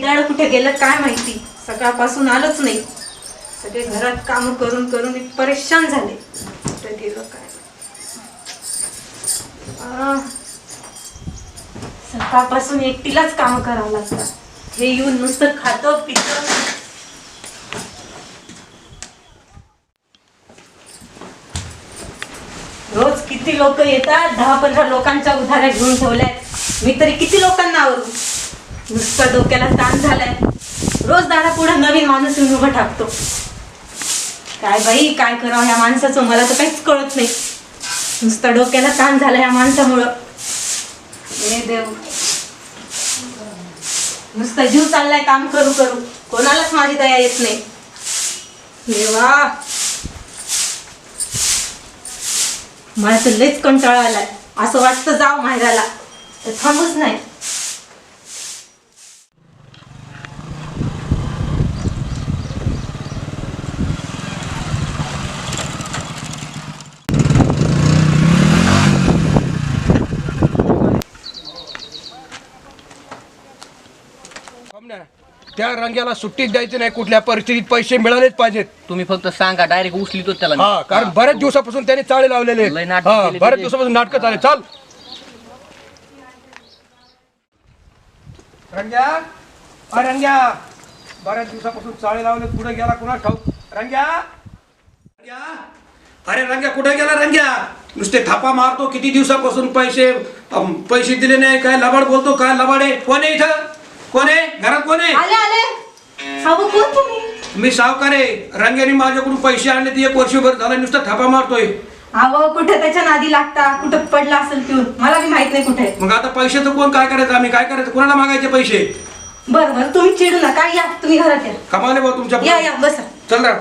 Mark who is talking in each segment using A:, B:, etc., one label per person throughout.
A: बिदाड कुठे गेलं काय माहिती, सकाळपासून आलंच नाही. सगळे घरात काम करून करून मी परेशान झाले. कुठे गेलं काय सकाळपासून एकटीलाच काम करावं लागतं. हे येऊन नुसतं खातं पितं. रोज किती लोक येतात, 10-15 लोकांच्या उधाऱ्या घेऊन ठेवल्यात. मी तरी किती लोकांना आवरू. नुसतं डोक्याला ताण झालाय. रोज दारा पुढे नवीन माणूस येऊन उभं टाकतो. काय बाई काय करावं ह्या माणसाचं, मला तर काहीच कळत नाही. नुसतं डोक्याला ताण झाला ह्या माणसामुळं. हे देव, नुसतं जीव चाललाय काम करू करू, कोणालाच माझी दया येत नाही. देवा, मला तर लयच कंटाळा आलाय. असं वाटतं जाव माहेराला, तर थांबूच नाही.
B: त्या रंग्याला सुट्टीच द्यायची नाही. कुठल्या परिस्थितीत पैसे मिळालेच पाहिजेत.
C: तुम्ही फक्त सांगा, डायरेक्ट उचलितो त्याला.
B: हा, कारण बऱ्याच दिवसापासून त्याने चाळे लावलेले.
C: लय नाटकं केली
B: बऱ्याच
C: त्याने.
B: दिवसापासून नाटक चालले. चाल रंग्या, रंग्या, बऱ्याच दिवसापासून चाळे लावले. कुठे गेला कुणा ठाऊक. रंग्या, अरे रंग्या कुठे गेला. रंग्या नुसते थापा मारतो. किती दिवसापासून पैसे दिले नाही. काय लबाड बोलतो. काय लबाड आहे. कोण आहे इथं. कोण आहे घरात. कोण आहे.
A: आले आले. अहो कोण तुम्ही.
B: मी सावकार आहे. रंग्याने माझ्याकडून पैसे आणले. ते 1 वर्षभर झालं नुसतं थापा मारतोय.
A: अहो कुठे त्याच्या नादी लागता. कुठं पडला असेल पिऊन, मला बी माहित नाही कुठे.
B: मग आता पैशाचं कोण काय करायचं. आम्ही काय करायचं. कोणाला मागायचे पैसे.
A: बरं बरं तुम्ही चिडू नका. या तुम्ही घरात या.
B: कमाले भाऊ तुमच्या.
A: या या बसा.
B: चल ना.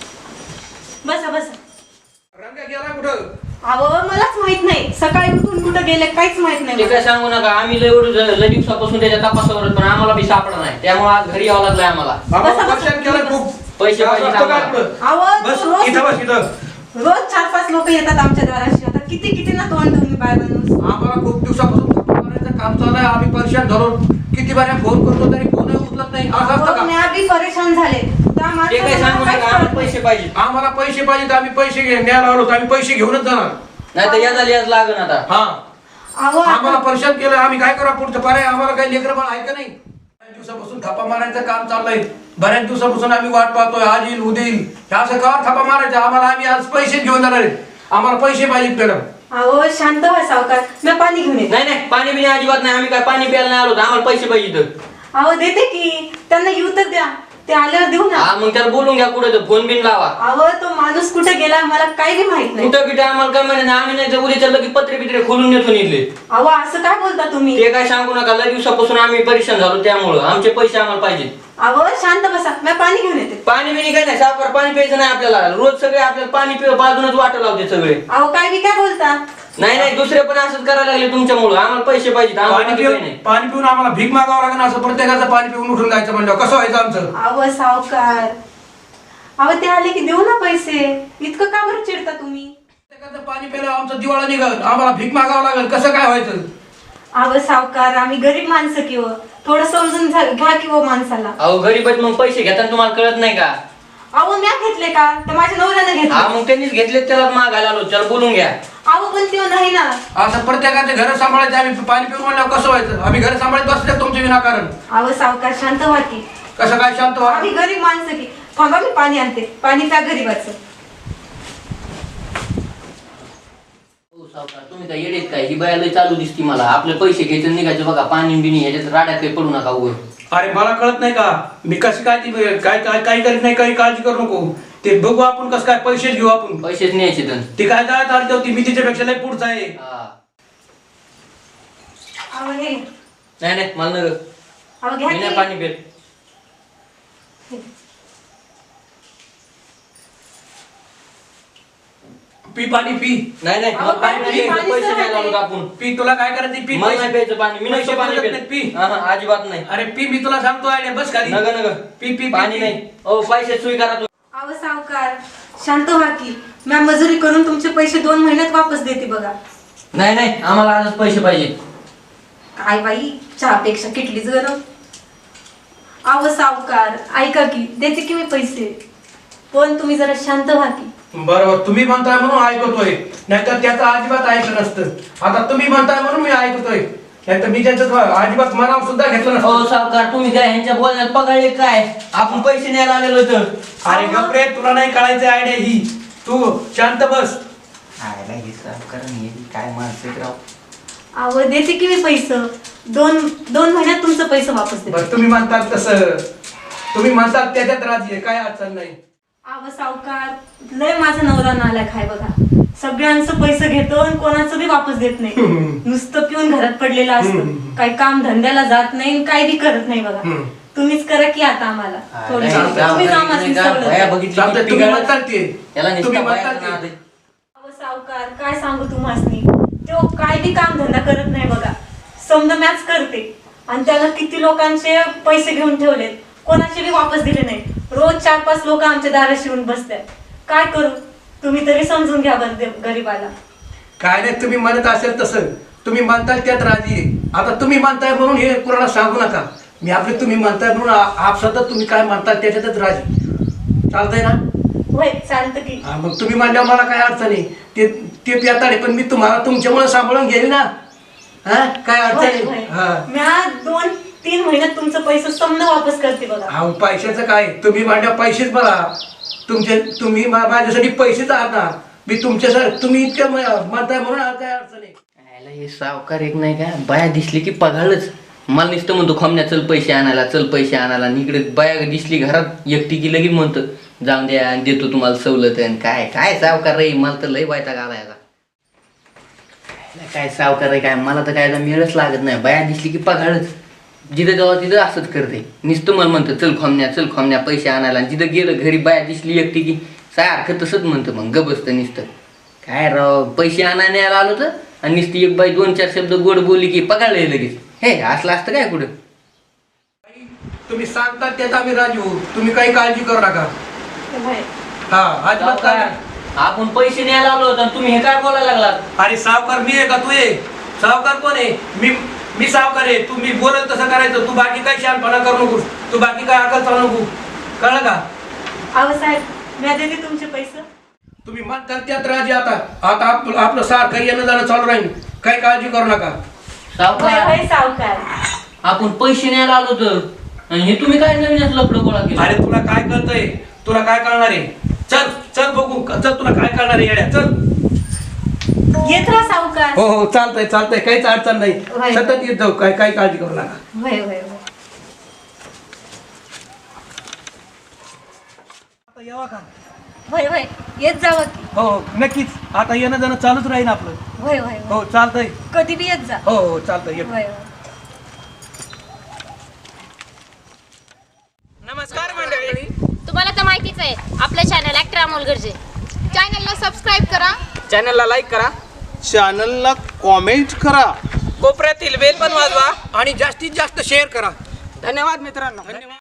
A: बसा बसा.
B: रंग्या गेला कुठं.
A: अहो मलाच माहित नाही. सकाळी उठून कुठं गेले काहीच माहित
C: ते
A: नाही.
C: काय सांगू नका. आम्ही लय दिवसापासून त्याच्या तपासावर, पण आम्हाला बी सापडा नाही. त्यामुळे आज घरी यावं लागलंय आम्हाला.
B: आम्हाला परेशान केलं खूप.
C: पैसे पाहिजे
B: असं काय
C: आम्हाला.
B: आपलं?
A: अहो
B: बस
A: रोज
B: इथं बस इथं.
A: रोज 4-5 लोक येतात आमच्या दाराशी. आता किती किती ना तोंड ठेवून बाय माणूस.
B: आम्हाला खूप दिवसापासून थापा मारायचं काम चालू आहे. आम्ही परेशान झालो. किती बाऱ्या फोन करतो तरी फोन उचलत नाही. असं असतं का.
A: मी आधी परेशान झाले. त्या
C: ते काय सांगू
A: माणसाला
C: नका.
A: काहीच
C: आम्हाला
A: कळत
C: पैसे पाहिजे.
B: आम्हाला पैसे पाहिजेत. आम्ही पैसे न्यायला आलो. आम्ही पैसे घेऊनच जाणार.
C: नाही तर याच लागण आता.
B: हा,
A: नाही. अहो
B: आम्हाला
A: आता-
B: परेशान केलं. आम्ही काय करा पुढचं पारे. आम्हाला काही लेकरं बाळ आहे का नाही. बऱ्याच दिवसापासून थापा मारायचं काम चाललंय. बऱ्याच दिवसापासून आम्ही वाट पाहतोय. आज येईल उद्या येईल. हे असं का थापा मारायचं. आम्हाला आम्ही आज पैसे घेऊन जाणार आहे. आम्हाला पैसे पाहिजेत मॅडम.
A: अहो शांत व्हा सावकार. मी पाणी घेऊन येते.
C: नाही नाही, पाणी बिणी अजिबात नाही. आम्ही काय पाणी प्यायला नाही आलो. आम्हाला पैसे पाहिजे.
A: अहो देते की. त्यांना येऊ तर द्या. ते आल्यावर देऊ ना.
C: हा, मग त्याला बोलून घ्या. कुठे फोन बिन लावा.
A: अहो तो माणूस कुठे गेला मला काही बी माहित नाही.
C: कुठं बिठं आम्हाला काय माहिती नाही. आम्ही नाही तर उद्याच्या लगेच पत्रे बित्रे खोलून नेतो निघले.
A: अहो असं काय बोलता तुम्ही.
C: ते काय सांगू नका. लय दिवसापासून आम्ही परेशान झालो. त्यामुळं आमचे पैसे आम्हाला पाहिजे.
A: अहो शांत बसा. मी पाणी घेऊन येते.
C: पाणी बिणी काय नाही. साखर पाणी प्यायचं नाही आपल्याला. रोज सगळे आपल्याला पाणी पिऊ बाजूनच वाटं लावते सगळे.
A: अहो काय बी काय बोलता.
C: नाही नाही, दुसरे पण असंच करायला लागले तुमच्यामुळं. आम्हाला पैसे पाहिजेत. आम्हाला बाकी काही नाही.
B: पाणी पिऊन आम्हाला भीक मागावं लागेल. असं प्रत्येकाचं पाणी पिऊन उठून जायचं म्हणलं कसं व्हायचं आमचं.
A: अहो सावकार. अहो ते आले की देऊ ना पैसे. इतकं का बरं चिडता तुम्ही.
B: प्रत्येकाचं पाणी प्यायला आमचं दिवाळा निघल. आम्हाला भीक मागावं लागेल. कसं काय व्हायचं.
A: अहो सावकार आम्ही गरीब माणसं किंवा थोडं समजून घ्या किंवा माणसाला.
C: अहो गरीब आहेत मग पैसे घेताना तुम्हाला कळत नाही का.
A: अहो म्या घेतले का. तर माझ्या नवऱ्याने
C: हा
A: घेतले.
C: मग त्यांनीच घेतले. त्याला मागायला आलो. त्याला बोलून घ्या.
A: अहो पण ते नाही ना.
B: असं प्रत्येकाचे घर सांभाळायचे. आम्ही पाणी पिऊन म्हणल्यावर कसं व्हायचं. आम्ही घर सांभाळत बसले तुमचे विनाकारण.
A: अहो सावकार शांत व्हा की.
B: कसं काय शांत व्हा.
A: आम्ही गरीब माणसं की. थांबा मी पाणी आणते. पाणी त्या गरीबाचं.
C: हो सावकार, तुम्ही काय येडेत काय. ही बाया लय चालू दिसती मला. आपले पैसे घ्यायचे निघायचे बघा. पाणी बिणी ह्याच्यात राड्यात काही पडू नका उभं.
B: अरे मला कळत नाही का. मी कसं काय काही करीत नाही. काही काळजी करू नको. ते बघू आपण कसं काय पैसेच घेऊ आपण.
C: पैसेच न्यायचे तर.
B: ती काय जायत आली होती. मी तिच्यापेक्षा लय पुढचा आहे.
A: अहो हे
C: नाही नाही, मला नगर.
A: अहो घ्या
C: मी नाही
A: की.
C: पाणी पित.
B: पी पाणी पी.
C: नाही नाही,
A: अहो,
C: मला पाणी
A: पाणी-
C: नाही.
A: पाणी
C: पैसे
A: सर
C: द्यायला
A: आहे.
C: लावलो आपण.
B: पी तुला काय करायचं पी.
C: मला नाही प्यायचं पाणी. मी नाही
B: पैसे
C: पाणी
B: बोलत
C: पित.
B: नाही, पी.
C: हा, हा, अजिबात नाही.
B: अरे पी. मी तुला सांगतो आयडिया बस खाली.
C: नगर नगर.
B: पी पी
C: पाणी नाही. ओ पैसे सोयी करा तू.
A: अहो सावकार शांत व्हा की. मी मजुरी करून तुमचे पैसे 2 महिन्यात वापस देते बघा.
C: नाही नाही, आम्हाला आजच पैसे पाहिजे.
A: काय बाई चहापेक्षा किटलीच गरम. आव सावकार ऐका की, देते की मी पैसे, पण तुम्ही जरा शांत व्हा की.
B: बरोबर, तुम्ही म्हणताय म्हणून ऐकतोय, नाहीतर त्याचं अजिबात ऐकलं नसतं. आता तुम्ही म्हणताय म्हणून मी ऐकतोय, नाहीतर मी त्याचं अजिबात मनावर सुद्धा घेतलं
C: हो
B: नसतं.
C: सावकार, तुम्ही काय ह्यांच्या बोलण्यात पगाळले काय? आपण पैसे न्यायला आलेलो तर.
B: अरे गप्रे, तुला नाही कळायचं आयडिया ही, तू शांत बस.
C: काय माणसं राव.
A: आव देते की मी पैसे, दोन महिन्यात तुमचं पैसे वापस देते.
B: बरं, तुम्ही म्हणतात तसं, तुम्ही म्हणतात त्याच्यात राजी आहे, काय अडचण नाही.
A: आव सावकार, लय माझा नवरा नालायक आहे बघा. सगळ्यांचं पैसे घेतो आणि कोणाचं बी वापस देत नाही. नुसतं पिऊन घरात पडलेलं असतं, काही काम धंद्याला जात नाही, काही बी करत नाही बघा. तुम्हीच करा की आता आम्हाला थोडी तुम्ही आम्हाला सगळं.
B: चालतंय, तुम्ही म्हणतात ते,
C: याला
B: तुम्ही
C: नुसतं
B: म्हणतात
C: बाहेर
B: ते.
A: अहो सावकार, काय सांगू तुम्हासनी, तो काय बी काम धंदा करत नाही बघा. समजा मॅच करते आणि त्याला किती लोकांचे पैसे घेऊन ठेवलेत, कोणाचे बी वापस दिले नाही. रोज 4-5 लोक आमच्या दाराशी येऊन बसतात. काय करू, तुम्ही तरी समजून घ्या बरं गरीबाला.
B: काय नाही, तुम्ही म्हणत असेल तसं, तुम्ही म्हणताल त्यात राजी आहे. आता तुम्ही म्हणताय म्हणून हे कोणाला सांगू नका. मी आपले तुम्ही म्हणताय म्हणून आपसातच तुम्ही काय म्हणताल त्याच्यातच राजी. चालतंय ना?
A: होय, चालतं की.
B: हा, मग तुम्ही म्हणल्या मला काय अडचण आहे, ते पियाताडे, पण मी तुम्हाला तुमच्यामुळे सांभाळून घेईल ना. हा, काय अडचण आहे? हा.
A: मी 2-3 महिन्यात तुमचं पैसे समजा वापस करते बघा.
B: अहो, पैशाचं काय, तुम्ही म्हणल्या पैसेच बघा. तुम्ही माझ्यासाठी पैसेच आहात ना. मी तुमच्यासाठी, तुम्ही इतकं म्हणताय म्हणून काय अडचण आहे.
C: हे सावकार एक नाही काय, बाया दिसली की पगाळच. मला नुसतं म्हणतो खमण्या चल पैसे आणायला, चल पैसे आणायला. इकडे बाया दिसली घरात एकटी की लगेच म्हणतो जाऊन द्या आणि देतो तुम्हाला सवलत. आणि काय काय सावकार रे, मला तर लय वैताग आला याचा. काय सावकार रे काय, मला तर काय मिळच लागत नाही. बाया दिसली की पगाळच. जिथं जाऊ तिथं असंच करते. नुसतं मला म्हणतं चल खमण्या पैसे आणायला. आणि जिथं गेलं घरी बाया दिसली एकटी की सारखं तसंच म्हणतं, मग ग बसतं नुसतं. काय राव, पैसे आणायला आलो तर आणि नुसती एक बाई 2-4 शब्द गोड बोलली की पगाळले लगेच. हे असलं असतं काय कुठं.
B: तुम्ही सांगतात त्यात आम्ही राजी होऊ, तुम्ही काही काळजी करू नका.
A: होय.
B: हा, अजिबात काय नाही.
C: आपण पैसे न्यायला आलो होतो आणि तुम्ही हे काय बोलायला लागलात.
B: अरे सावकार मी आहे का तू आहे? सावकार कोण आहे? मी सावकार आहे. तू मी बोलत तसं करायचं. तू बाकी काही शहाणपणा करू नको, तू बाकी काय अकल चालू नको, कळलं का?
A: अहो साहेब, मी देते तुमचे पैसे.
B: तुम्ही म्हणताल त्यात राजी. आता आपलं सारखं येणं जाणं चालू राहील, काही काळजी करू नका.
A: होय
C: सावकार,
A: होय सावकार.
C: आपण पैसे न्यायला आलो होतो आणि हे तुम्ही काय नवीनच लफडं गोळा केलं.
B: अरे तुला काय कळतंय, तुला काय कळणार आहे? चल चल बघू, चल तुला काय कळणार आहे येड्या, चल.
A: येत राहा सावकार.
B: हो हो, चालतंय काहीच अडचण नाही.
A: होय.
B: सतत येत जाऊ, काय काळजी करू नका.
A: होय होय होय.
B: आता यावा का?
A: होय होय, येत जावं की.
B: हो नक्कीच, आता येणं जाणं चालूच राहील आपलं.
A: होय होय होय.
B: हो चालतंय.
A: कधी बी येत जा.
B: हो हो चालतंय, ये.
A: होय होय.
B: नमस्कार मंडळी.
D: तुम्हाला तर माहितीच आहे आपलं चॅनल ॲक्टर अमोल गरजे. चॅनलला सबस्क्राईब करा,
E: चॅनलला लाईक करा,
F: चॅनलला कॉमेंट करा,
E: कोपऱ्यातील बेल पण वाजवा.
B: आणि जास्तीत जास्त शेअर करा.
E: धन्यवाद मित्रांनो.
B: धन्यवाद.